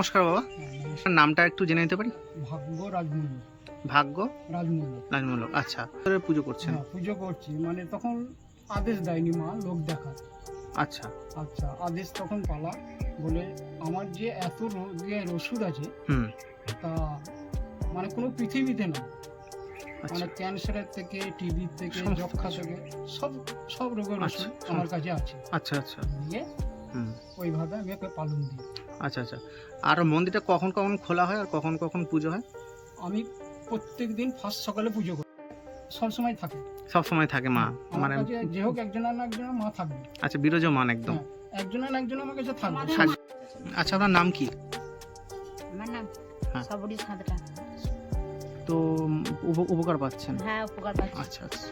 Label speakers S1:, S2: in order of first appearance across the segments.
S1: নমস্কার বাবা, আপনার নামটা একটু জেনে নিতে পারি?
S2: ভাগ্য রাজমূল্য।
S1: ভাগ্য
S2: রাজমূল্য।
S1: রাজমূলক। আচ্ছা, পুজো করছেন?
S2: হ্যাঁ, পুজো করছি, মানে তখন আদেশ দেয়নি মা লোক দেখার।
S1: আচ্ছা
S2: আচ্ছা, আদেশ তখন পালা বলে আমার যে এত রোগের ওষুধ আছে
S1: হুম
S2: তা মানে কোনো পৃথিবীতে না,
S1: আচ্ছা
S2: মানে ক্যান্সারের থেকে, টিবি থেকে,
S1: সমস্ত
S2: যক্ষা
S1: কিছু।
S2: থেকে সব সব রোগের
S1: আচ্ছা,
S2: ওষুধ আমার কাছে আছে।
S1: আচ্ছা আচ্ছা
S2: দিয়ে
S1: হুম
S2: ওইভাবে আমি ওকে পালন দিই।
S1: আচ্ছা আচ্ছা। আর মন্দিরটা কখন কখন খোলা হয় আর কখন কখন পুজো হয়?
S2: আমি প্রত্যেক দিন ফার্স্ট সকালে পুজো করি, সবসময় থাকে।
S1: সব সময় থাকে মা?
S2: আমার
S1: মানে
S2: কাছে যে হোক একজন না একজন মা থাকবে।
S1: আচ্ছা, বিরাজমান একদম।
S2: হ্যাঁ, একজন না একজন আমার কাছে থাকবে।
S1: আচ্ছা, আপনার নাম কি?
S3: আমার নাম
S1: হ্যাঁ।
S3: সবরি সাঁতরা।
S1: তো উপকার পাচ্ছেন?
S3: হ্যাঁ, উপকার পাচ্ছি।
S1: আচ্ছা আচ্ছা।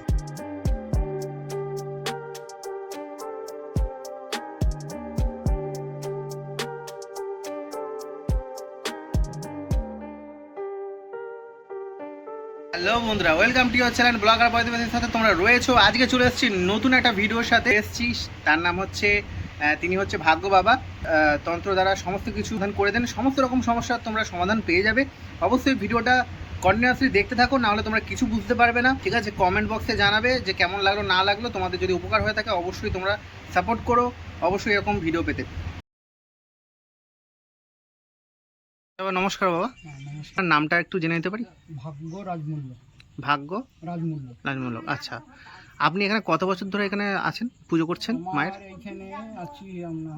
S1: হ্যালো বন্ধুরা, welcome to your channel blogger বয়দের সাথে তোমরা রয়েছো। আজকে চলে এসেছি নতুন একটা ভিডিওর সাথে এসেছি। তার নাম হচ্ছে তিনি হচ্ছে ভাগ্য বাবা। তন্ত্র দ্বারা সমস্ত কিছু সমাধান করে দেন, সমস্ত রকম সমস্যার তোমরা সমাধান পেয়ে যাবে। অবশ্যই ভিডিওটা কন্টিনিউয়াসলি দেখতে থাকো, নাহলে তোমরা কিছু বুঝতে পারবে না। ঠিক আছে, কমেন্ট বক্সে জানাবে যে কেমন লাগলো না লাগলো। তোমাদের যদি উপকার হয়ে থাকে অবশ্যই তোমরা সাপোর্ট করো, অবশ্যই এরকম ভিডিও পেতে। নমস্কার বাবা,
S2: হ্যাঁ, নমস্কার।
S1: আপনার নামটা একটু জেনে নিতে পারি?
S2: ভাগ্য রাজমূল্য।
S1: ভাগ্য
S2: রাজমূল্য।
S1: রাজমূলক। আচ্ছা, আপনি এখানে কত বছর ধরে এখানে আছেন, পুজো করছেন মায়ের?
S2: আমার এইখানে আছি আমরা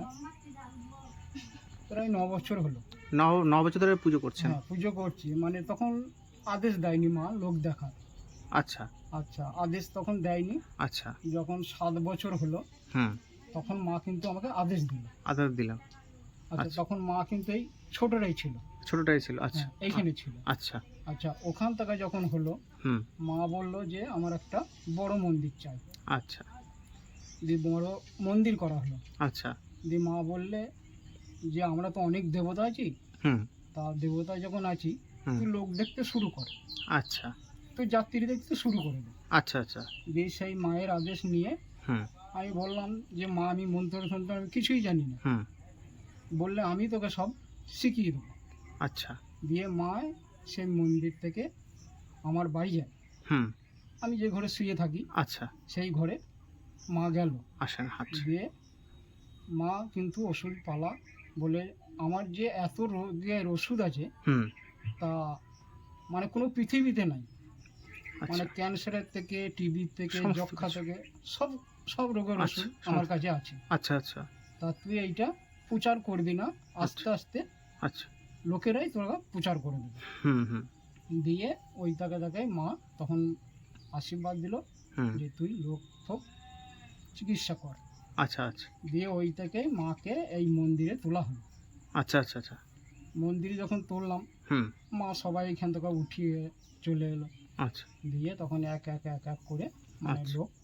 S2: প্রায় 9 বছর হলো।
S1: 9 বছর ধরে পুজো করছেন?
S2: হ্যাঁ, পুজো করছি, মানে তখন আদেশ দেয়নি মা লোক দেখার।
S1: আচ্ছা
S2: আচ্ছা, আদেশ তখন দেয়নি।
S1: আচ্ছা
S2: যখন 7 বছর হলো
S1: হুম
S2: তখন মা কিন্তু আমাকে আদেশ দিল।
S1: আদর দিলাম।
S2: আচ্ছা,
S1: আচ্ছা।
S2: তখন মা কিন্তু এই ছোটটাই ছিল।
S1: ছোটটাই ছিল? আচ্ছা
S2: হ্যাঁ, এইখানে ছিল।
S1: আচ্ছা
S2: আচ্ছা, ওখান থেকে যখন হলো
S1: হুম
S2: মা বলল যে আমার একটা বড় মন্দির চাই।
S1: আচ্ছা
S2: দিয়ে বড় মন্দির করা হলো।
S1: আচ্ছা
S2: দিয়ে মা বললে যে আমরা তো অনেক দেবতা আছি,
S1: হুম
S2: তা দেবতা যখন আছি
S1: হুম
S2: তুই লোক দেখতে শুরু কর,
S1: আচ্ছা
S2: তুই যাত্রী দেখতে শুরু করে দে।
S1: আচ্ছা আচ্ছা
S2: দিয়ে সেই মায়ের আদেশ নিয়ে
S1: হুম
S2: আমি বললাম যে মা আমি মন্ত্র সন্ত্র আমি কিছুই জানি না।
S1: হুম
S2: বললে আমি তোকে সব শিখিয়ে দেবো।
S1: আচ্ছা
S2: দিয়ে মা সেই মন্দির থেকে আমার বাড়ি যায়,
S1: হুম
S2: আমি যে ঘরে শুয়ে থাকি
S1: আচ্ছা
S2: সেই ঘরে মা গেল।
S1: আসেন। আচ্ছা
S2: দিয়ে মা কিন্তু ওষুধ পালা বলে আমার যে এত রোগের ওষুধ আছে
S1: হুম
S2: তা মানে কোনো পৃথিবীতে নাই, মানে
S1: আচ্ছা
S2: ক্যান্সারের থেকে, টিবি থেকে,
S1: সমস্ত
S2: যক্ষা
S1: কিছু।
S2: থেকে সব সব রোগের
S1: আচ্ছা,
S2: ওষুধ আমার
S1: সমস্ত।
S2: কাছে আছে।
S1: আচ্ছা আচ্ছা
S2: তা তুই এইটা প্রচার করবি না, আস্তে আস্তে
S1: আচ্ছা
S2: লোকেরাই তোরা প্রচার করে দেবে।
S1: হুম হুম
S2: দিয়ে ওই তাকে মা তখন আশীর্বাদ দিল
S1: হুম
S2: যে তুই লোক ফোক চিকিৎসা কর।
S1: আচ্ছা আচ্ছা
S2: দিয়ে ওই থেকে মাকে এই মন্দিরে তোলা হলো।
S1: আচ্ছা আচ্ছা আচ্ছা
S2: মন্দিরে যখন তুললাম
S1: হুম
S2: মা সবাই এখান থেকে উঠিয়ে চলে এলো।
S1: আচ্ছা।
S2: দিয়ে তখন এক এক এক এক করে মানে
S1: আচ্ছা।
S2: লোক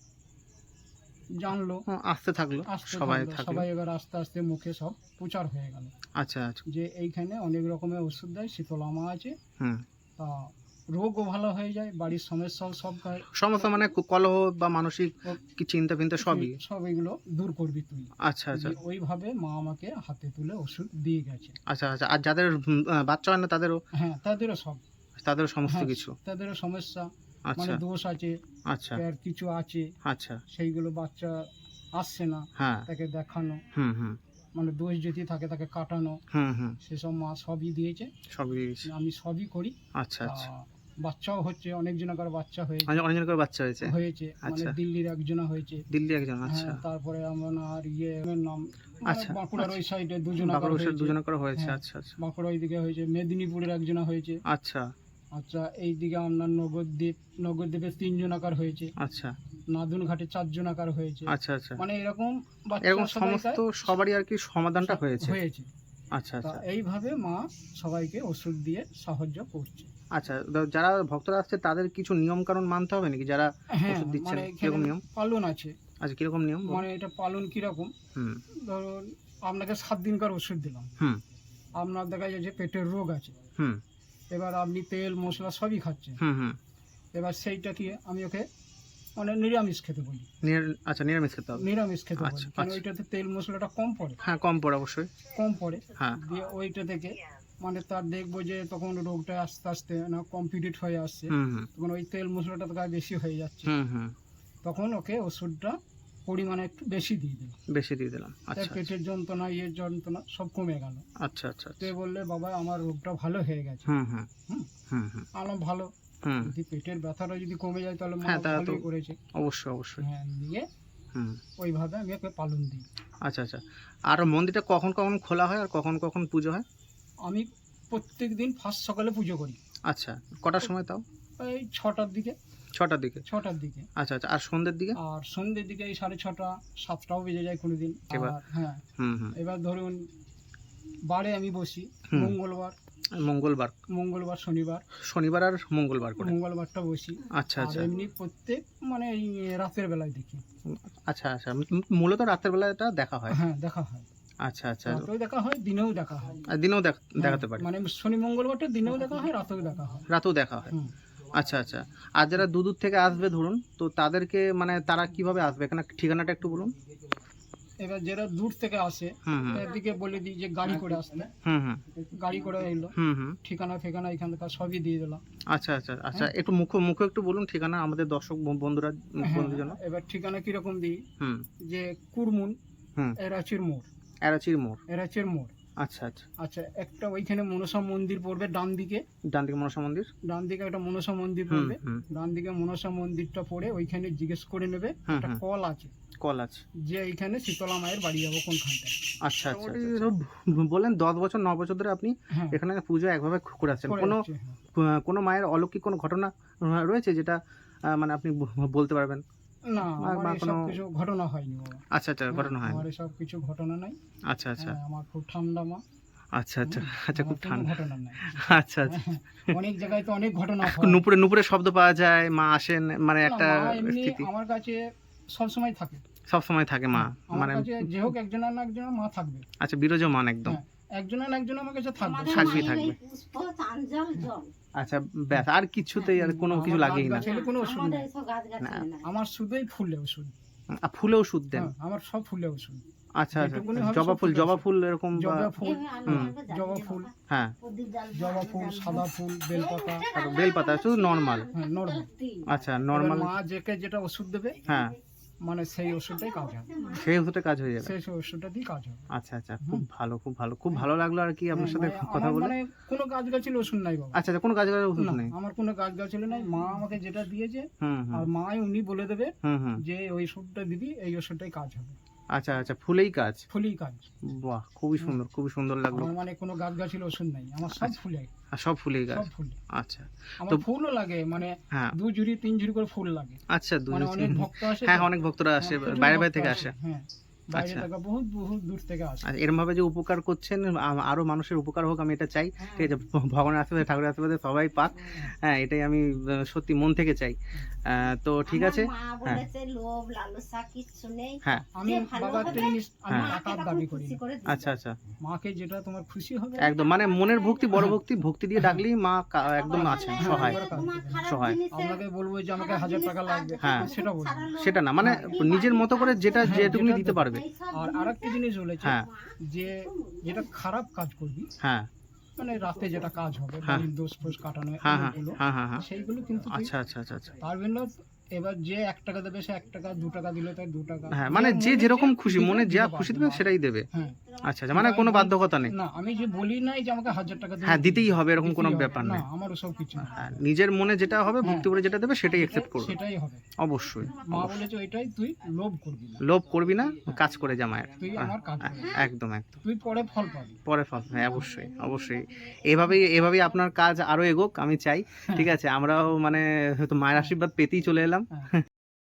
S2: জানলো,
S1: আসতে থাকলো,
S2: আসতে
S1: সবাই
S2: থাকলো,
S1: থাকলো।
S2: সবাই এবার আস্তে আস্তে মুখে সব প্রচার হয়ে গেল
S1: আচ্ছা আচ্ছা
S2: যে এইখানে অনেক রকমের ওষুধ দেয়, শীতলা মা আছে,
S1: হুম।
S2: তা রোগও ভালো হয়ে যায়, বাড়ির সমস্যাও সব
S1: সমস্ত মানে কলহ বা মানসিক কি চিন্তা ফিন্তা সবই?
S2: সব এগুলো দূর করবি তুই।
S1: আচ্ছা আচ্ছা
S2: দিয়ে ওইভাবে মা আমাকে হাতে তুলে ওষুধ দিয়ে গেছে।
S1: আচ্ছা আচ্ছা। আর যাদের বাচ্চা হয় না তাদেরও?
S2: হ্যাঁ, তাদেরও সব,
S1: তাদেরও সমস্ত
S2: হ্যাঁ,
S1: কিছু?
S2: তাদেরও সমস্যা, মানে
S1: আচ্ছা
S2: দোষ আছে,
S1: আচ্ছা
S2: আর কিছু আছে
S1: আচ্ছা
S2: সেইগুলো বাচ্চা আসছে না,
S1: হ্যাঁ
S2: তাকে দেখানো,
S1: হুম হুম
S2: মানে দোষ যদি থাকে তাকে কাটানো,
S1: হুম হুম
S2: সেসব মা সবই দিয়েছে।
S1: সবই।
S2: আমি সবই করি।
S1: আচ্ছা আচ্ছা।
S2: বাচ্চাও হচ্ছে, অনেকজনের বাচ্চা হয়েছে
S1: অনেকজন করে বাচ্চা হয়েছে?
S2: হয়েছে মানে
S1: আচ্ছা।
S2: দিল্লির একজনা হয়েছে।
S1: দিল্লি একজন? আচ্ছা
S2: হ্যাঁ, তারপরে আমার আর নাম মানে
S1: আচ্ছা,
S2: বাঁকুড়ার ওই সাইডে দুজনা
S1: বাঁকুড়া
S2: হয়েছে।
S1: দুজনে করে হয়েছে?
S2: হ্যাঁ।
S1: আচ্ছা আচ্ছা
S2: বাঁকুড়া ওইদিকে হয়েছে, মেদিনীপুরের একজনা হয়েছে।
S1: আচ্ছা
S2: আচ্ছা, এইদিকে আপনার নগরদ্বীপে 3 জনাকার হয়েছে,
S1: আচ্ছা
S2: নাদুন ঘাটে 4 জনাকার হয়েছে।
S1: আচ্ছা আচ্ছা।
S2: মানে এরকম
S1: এরকম
S2: বাচ্চা
S1: সমস্ত সবারই আর কি সমাধানটা হয়েছে?
S2: হয়েছে।
S1: আচ্ছা
S2: তা
S1: আচ্ছা
S2: এইভাবে মা সবাইকে ওষুধ দিয়ে সাহায্য করছে।
S1: আচ্ছা। যারা ভক্তরা আসছে তাদের কিছু নিয়ম কানুন মানতে হবে নাকি যারা
S2: হ্যাঁ,
S1: ওষুধ দিচ্ছেন?
S2: মানে
S1: কিরকম
S2: এখানে
S1: নিয়ম?
S2: পালন আছে।
S1: আচ্ছা, কিরকম নিয়ম?
S2: মানে এটা পালন কিরকম,
S1: হুম
S2: ধরুন আপনাকে 7 দিনকার ওষুধ দিলাম,
S1: হুম
S2: আপনার দেখা যায় যে পেটের রোগ আছে,
S1: হুম
S2: এবার আপনি তেল মশলা সবই খাচ্ছেন,
S1: হুম হুম
S2: এবার সেইটা কি আমি ওকে মানে নিরামিষ খেতে বলি।
S1: আচ্ছা, নিরামিষ খেতে হবে।
S2: নিরামিষ খেতে বলি,
S1: আচ্ছা,
S2: কারণ
S1: আচ্ছা।
S2: ওইটাতে তেল মশলাটা কম পড়ে।
S1: হ্যাঁ, কম পড়ে অবশ্যই।
S2: কম পড়ে,
S1: হ্যাঁ।
S2: দিয়ে ওইটা থেকে মানে তার দেখবো যে তখন রোগটা আস্তে আস্তে না কমপ্লিট হয়ে আসছে,
S1: হুম হুম
S2: তখন ওই তেল মশলাটা তো গায়ে বেশি হয়ে যাচ্ছে,
S1: হুম হুম
S2: তখন ওকে ওষুধটা পরিমাণে একটু বেশি দিয়ে দিল।
S1: বেশি দিয়ে দিলাম।
S2: তার
S1: আচ্ছা
S2: পেটের যন্ত্রণা ইয়ের যন্ত্রণা সব কমে গেল।
S1: আচ্ছা আচ্ছা
S2: তো বললে বাবা আমার রোগটা ভালো হয়ে গেছে।
S1: হুম হুম
S2: হুম,
S1: হুম হুম
S2: আলাম ভালো,
S1: হুম
S2: যদি পেটের ব্যথাটা যদি কমে যায় তাহলে মা
S1: হ্যাঁ, তা তো
S2: ভালোই করেছে।
S1: অবশ্যই অবশ্যই।
S2: হ্যাঁ, দিয়ে
S1: হুম,
S2: ওইভাবে আমি ওকে পালন দিই।
S1: আচ্ছা আচ্ছা। আর মন্দিরটা কখন কখন খোলা হয় আর কখন কখন পুজো হয়?
S2: আমি প্রত্যেক দিন ফার্স্ট সকালে পুজো করি,
S1: আচ্ছা, কটার সময় তাও?
S2: এই 6টার দিকে।
S1: 6টার দিকে?
S2: 6টার দিকে।
S1: আচ্ছা আচ্ছা। আর সন্ধ্যের দিকে?
S2: আর সন্ধ্যের দিকে এই 6:30 7টাও বেজে যায় কোনোদিন।
S1: এবার?
S2: আর হ্যাঁ,
S1: হুম হুম
S2: এবার ধরুন বারে আমি বসি
S1: হুম।
S2: মঙ্গলবার,
S1: মঙ্গলবার,
S2: শনিবার,
S1: শনিবার আর মঙ্গলবার করে?
S2: মঙ্গলবারটা বসি।
S1: আচ্ছা
S2: আর
S1: আচ্ছা
S2: এমনি প্রত্যেক মানে এই রাতের বেলায় দেখি।
S1: আচ্ছা আচ্ছা। মূলত রাতের বেলাটা দেখা হয়?
S2: হ্যাঁ, দেখা হয়।
S1: আচ্ছা আচ্ছা।
S2: রাতেও দেখা হয়, দিনেও দেখা হয়।
S1: আর দিনেও দেখাতে
S2: হ্যাঁ,
S1: পারে?
S2: মানে শনি মঙ্গলবারটা দিনেও দেখা হয়, রাতেও দেখা হয়।
S1: রাতেও দেখা হয়?
S2: হুম।
S1: আচ্ছা আচ্ছা। আর যারা দূর দূর থেকে আসবে ধরুন, তো তাদেরকে মানে তারা কিভাবে আসবে, এখানে ঠিকানাটা একটু বলুন।
S2: এবার যারা দূর থেকে আসে
S1: হুম হুম
S2: এদিকে বলে দিই যে গাড়ি করে আসতে,
S1: হুম হুম
S2: গাড়ি করে এলো,
S1: হুম হুম
S2: ঠিকানা ফেকানা এখান থেকে সবই দিয়ে দিলাম।
S1: আচ্ছা আচ্ছা আচ্ছা। একটু মুখে একটু বলুন ঠিকানা আমাদের দর্শক বন্ধুরা বন্ধুদের জন্য।
S2: এবার ঠিকানা কিরকম দিই,
S1: হুম
S2: যে কুরমুন
S1: হুম
S2: এরাচির মোড়,
S1: এরাচির মোড়।
S2: এরাচির মোড়।
S1: আচ্ছা আচ্ছা।
S2: আচ্ছা, একটা ওইখানে মনসা মন্দির পড়বে ডান দিকে,
S1: ডান দিকে মনসা মন্দির?
S2: ডান দিকে একটা মনসা মন্দির
S1: হুম
S2: পড়বে।
S1: হুম
S2: ডান দিকে মনসা মন্দিরটা পড়ে ওইখানে জিজ্ঞেস করে নেবে,
S1: হুম,
S2: একটা
S1: হুম।
S2: কল আছে
S1: কল আছে?
S2: যে এইখানে শীতলা মায়ের বাড়ি যাবো কোনখানটায়।
S1: আচ্ছা আচ্ছা আচ্ছা। বলেন 10 বছর 9 বছর ধরে আপনি
S2: হ্যাঁ,
S1: এখানে পুজো একভাবে করে আসছেন।
S2: করে
S1: কোনো
S2: যাচ্ছে, হ্যাঁ।
S1: কোনো মায়ের অলৌকিক কোনো ঘটনা রয়েছে যেটা মানে আপনি বলতে পারবেন?
S2: না,
S1: আর
S2: আমার
S1: বা
S2: এসব
S1: কোনো-
S2: কিছু ঘটনা হয়নি বাবা।
S1: আচ্ছা আচ্ছা, ঘটনা হয়?
S2: আমার এসব কিছু ঘটনা নাই।
S1: আচ্ছা আচ্ছা
S2: হ্যাঁ, আমার খুব ঠান্ডা মা।
S1: আচ্ছা আচ্ছা আচ্ছা। খুব
S2: আমার কোনো
S1: ঠান্ডা।
S2: ঘটনা নাই।
S1: আচ্ছা আচ্ছা।
S2: অনেক জায়গায় তো অনেক ঘটনা হয়।
S1: নুপুরে নুপুরে শব্দ পাওয়া যায়, মা আসেন, মানে
S2: না,
S1: একটা
S2: মা এমনি
S1: স্থিতি
S2: আমার কাছে সব সময় থাকে।
S1: সব সময় থাকে মা,
S2: আমার
S1: মানে
S2: কাছে যে হোক একজন না একজন মা থাকবে।
S1: আচ্ছা, বিরাজমান একদম।
S2: হ্যাঁ, একজন না একজন আমার কাছে থাকবে।
S1: থাকবেই থাকবে। আচ্ছা, ব্যাস আর কিছুতেই আর কোনো কিছু
S2: আমার
S1: লাগেই না?
S2: গাছ গাছালি কোনো ওষুধ নেই।
S1: না।
S2: আমার শুধুই ফুলে ওষুধ।
S1: ফুলে ওষুধ দেন?
S2: হ্যাঁ, আমার সব ফুলে ওষুধ।
S1: আচ্ছা আচ্ছা।
S2: যেটুকুনি হবে
S1: জবা
S2: সব
S1: ফুল,
S2: ফুলে
S1: জবা
S2: ওষুধ।
S1: ফুল এরকম বা-
S2: জবা ফুল,
S1: হুম।
S2: জবা ফুল,
S1: হ্যাঁ,
S2: জবা ফুল, সাদা ফুল, বেলপাতা।
S1: আর বেলপাতা শুধু নর্মাল?
S2: হ্যাঁ, নরমাল।
S1: আচ্ছা, নর্মাল।
S2: মা যেকে যেটা ওষুধ দেবে
S1: হ্যাঁ,
S2: মানে সেই ওষুধটাই কাজ হবে,
S1: সেই ওষুধে কাজ হয়ে যাবে?
S2: সেই ওষুধটা দিয়ে কাজ হবে।
S1: আচ্ছা আচ্ছা, খুব ভালো খুব ভালো, খুব ভালো লাগলো আর কি আপনার সাথে
S2: মানে
S1: কথা
S2: আমার
S1: বলে।
S2: মানে কোনো গাছ গাছালি ওষুধ নাই বাবা।
S1: আচ্ছা আচ্ছা, কোনো কাজের ওষুধ
S2: না,
S1: নেই?
S2: আমার কোনো গাছ গাছালি নাই। মা আমাকে যেটা দিয়েছে
S1: হুম
S2: আর
S1: হুম
S2: মাই উনি বলে দেবে
S1: হুম হুম
S2: যে ওই ওষুধটা দিবি, এই ওষুধটাই কাজ হবে,
S1: আচ্ছা আচ্ছা, ফুলেই কাজ?
S2: ফুলেই কাজ।
S1: বাহ, খুবই সুন্দর লাগলো।
S2: আমার মানে কোনো গাছ গাছালি ওষুধ নাই, আমার সব ফুলে,
S1: আর সব ফুলেই কাজ?
S2: সব ফুলে।
S1: আচ্ছা।
S2: আমার
S1: তো-
S2: ফুলও লাগে, মানে
S1: হ্যাঁ
S2: 2 ঝুড়ি 3 ঝুড়ি করে ফুল লাগে।
S1: আচ্ছা,
S2: মানে অনেক ভক্ত আসে
S1: হ্যাঁ
S2: তো।
S1: অনেক ভক্তরা আসে,
S2: হ্যাঁ, প্রচুর
S1: বাইরে
S2: ভক্ত
S1: থেকে আসে।
S2: হ্যাঁ, বাইরে
S1: আচ্ছা।
S2: থেকে বহুত বহুত দূর থেকে আসে।
S1: আর এরকম ভাবে যে উপকার করছেন, আরো মানুষের উপকার হোক, আমি এটা চাই। ঠিক আছে, ভগবানের আশীর্বাদে, ঠাকুরের আশীর্বাদে সবাই পাক। হ্যাঁ, এটাই আমি সত্যি মন থেকে চাই। তো ঠিক আছে। হ্যাঁ
S3: লোভ লালসা কিচ্ছু নেই।
S1: হ্যাঁ
S2: আমি বাবা একটা জিনিস, আমি
S1: হ্যাঁ।
S2: টাকার দাবি করি না।
S1: আচ্ছা আচ্ছা,
S2: মাকে যেটা তোমার খুশি হবে
S1: একদম মানে মনের ভক্তি, বড় ভক্তি দিয়ে ডাকলেই মা একদম আছেন, সহায় সহায়।
S2: আপনাকে বলবো যে আমাকে 1000 টাকা লাগবে,
S1: হ্যাঁ।
S2: সেটা বলবো না।
S1: সেটা না, মানে নিজের মতো করে যেটা
S2: হ্যাঁ,
S1: যেটুকুনি
S2: যেটা
S1: দিতে পারবে।
S2: আর আরেকটা জিনিস বলেছে
S1: হ্যাঁ
S2: যে যেটা খারাপ কাজ করবি,
S1: হ্যাঁ
S2: মানে রাতে যেটা কাজ হবে,
S1: হ্যাঁ।
S2: বাড়ির দোষ ফোষ কাটানো,
S1: হ্যাঁ হ্যাঁ
S2: এগুলো,
S1: হ্যাঁ হ্যাঁ হ্যাঁ।
S2: সেইগুলো কিন্তু তুই
S1: আচ্ছা আচ্ছা আচ্ছা আচ্ছা।
S2: পারবেন না। এবার যে 1 টাকা দেবে সে 1 টাকা, 2 টাকা দিলে তাই 2 টাকা।
S1: হ্যাঁ, মানে যে
S2: মনে
S1: যেরকম
S2: যে
S1: খুশি, মনে
S2: দিতে
S1: যা
S2: পারবে,
S1: খুশি দেবে সেটাই দেবে।
S2: হ্যাঁ।
S1: আচ্ছা আচ্ছা, মানে কোনো বাধ্যকতা নেই?
S2: না, আমি যে বলি নাই যে আমাকে 1000 টাকা
S1: হ্যাঁ, দিতেই হবে এরকম কোনো
S2: দিতেই হবে।
S1: ব্যাপার
S2: না,
S1: নেই।
S2: আমার ওসব কিছু না।
S1: হ্যাঁ, নিজের মনে যেটা হবে,
S2: হ্যাঁ।
S1: ভক্তি করে যেটা দেবে সেটাই অ্যাকসেপ্ট করবে।
S2: সেটাই হবে।
S1: অবশ্যই।
S2: মা বলেছে ওইটাই, তুই লোভ করবি না,
S1: লোভ করবি না, কাজ করে যা মায়ের।
S2: তুই আমার কাজ করবি,
S1: একদম একদম।
S2: তুই পরে ফল পাবি।
S1: পরে ফল, হ্যাঁ অবশ্যই অবশ্যই। এভাবেই আপনার কাজ আরো এগোক আমি চাই। ঠিক আছে, আমরাও মানে হয়তো মায়ের আশীর্বাদ পেতেই চলে এলাম।
S2: হ্যাঁ।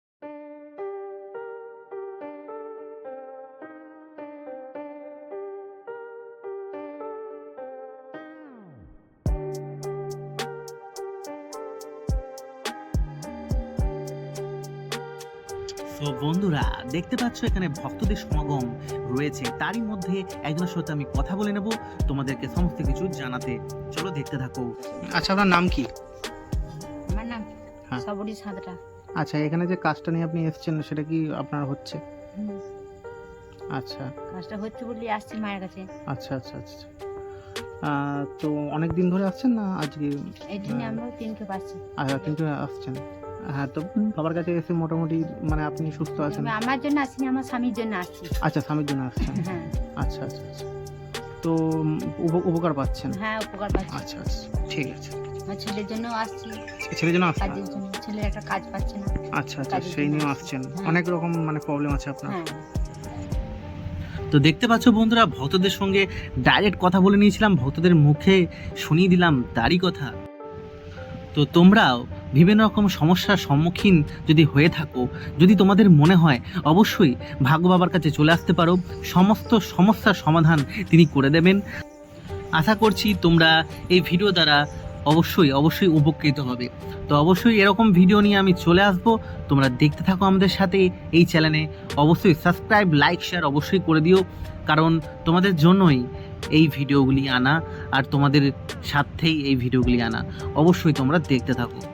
S1: তো বন্ধুরা, দেখতে পাচ্ছ এখানে ভক্তদের সমাগম রয়েছে, তারই মধ্যে একজনের সাথে আমি কথা বলে নেব তোমাদেরকে সমস্ত কিছু জানাতে। চলো দেখতে থাকো। আচ্ছা, আপনার নাম কি?
S3: আমার নাম
S1: হ্যাঁ।
S3: সবরি সাঁতরা।
S1: আচ্ছা, এখানে যে কাজটা নিয়ে আপনি এসেছেন সেটা কি আপনার হচ্ছে?
S4: হুম,
S1: আচ্ছা
S4: কাজটা হচ্ছে বলে আসছি মায়ের কাছে।
S1: আচ্ছা আচ্ছা আচ্ছা। তো অনেক দিন ধরে আসছেন না আজকে?
S4: এই জন্য আমরাও তিনকে পাচ্ছি।
S1: আচ্ছা, কিন্তু আসছেন। হ্যাঁ, তো বাবার কাছে এসে মোটামুটি মানে আপনি সুস্থ আছেন?
S4: তবে আমার জন্য আসিনি, আমার স্বামীর জন্য আসছি।
S1: আচ্ছা, স্বামীর জন্য আসছেন।
S4: হ্যাঁ
S1: আচ্ছা আচ্ছা আচ্ছা। তো উপকার পাচ্ছেন?
S4: হ্যাঁ, উপকার পাচ্ছি।
S1: আচ্ছা আচ্ছা, ঠিক আছে।
S4: আমার ছেলের জন্য আসছি,
S1: ছেলের জন্য আসছেন?
S4: কাজের জন্য। ছেলের একটা কাজ পাচ্ছে না।
S1: আচ্ছা আচ্ছা,
S4: কাজের
S1: সেই
S4: জন্য
S1: নিয়েও
S4: আসছি।
S1: আসছেন।
S4: হ্যাঁ।
S1: অনেক রকম মানে প্রবলেম আছে আপনার।
S4: হ্যাঁ,
S1: তো দেখতে পাচ্ছ বন্ধুরা, ভক্তদের সঙ্গে ডাইরেক্ট কথা বলে নিয়েছিলাম, ভক্তদের মুখে শুনিয়ে দিলাম তারই কথা। তো তোমরাও বিভিন্ন রকম সমস্যার সম্মুখীন যদি হয়ে থাকো, যদি তোমাদের মনে হয়, অবশ্যই ভাগ্য বাবার কাছে চলে আসতে পারো, সমস্ত সমস্যার সমাধান তিনি করে দেবেন। আশা করছি তোমরা এই ভিডিও দ্বারা অবশ্যই উপকৃত হবে। তো অবশ্যই এরকম ভিডিও নিয়ে আমি চলে আসব, তোমরা দেখতে থাকো আমাদের সাথে এই চ্যানেলে। অবশ্যই সাবস্ক্রাইব, লাইক, শেয়ার অবশ্যই করে দিও, কারণ তোমাদের জন্যই এই ভিডিওগুলি আনা, আর তোমাদের সাথেই এই ভিডিওগুলি আনা। অবশ্যই তোমরা দেখতে থাকো।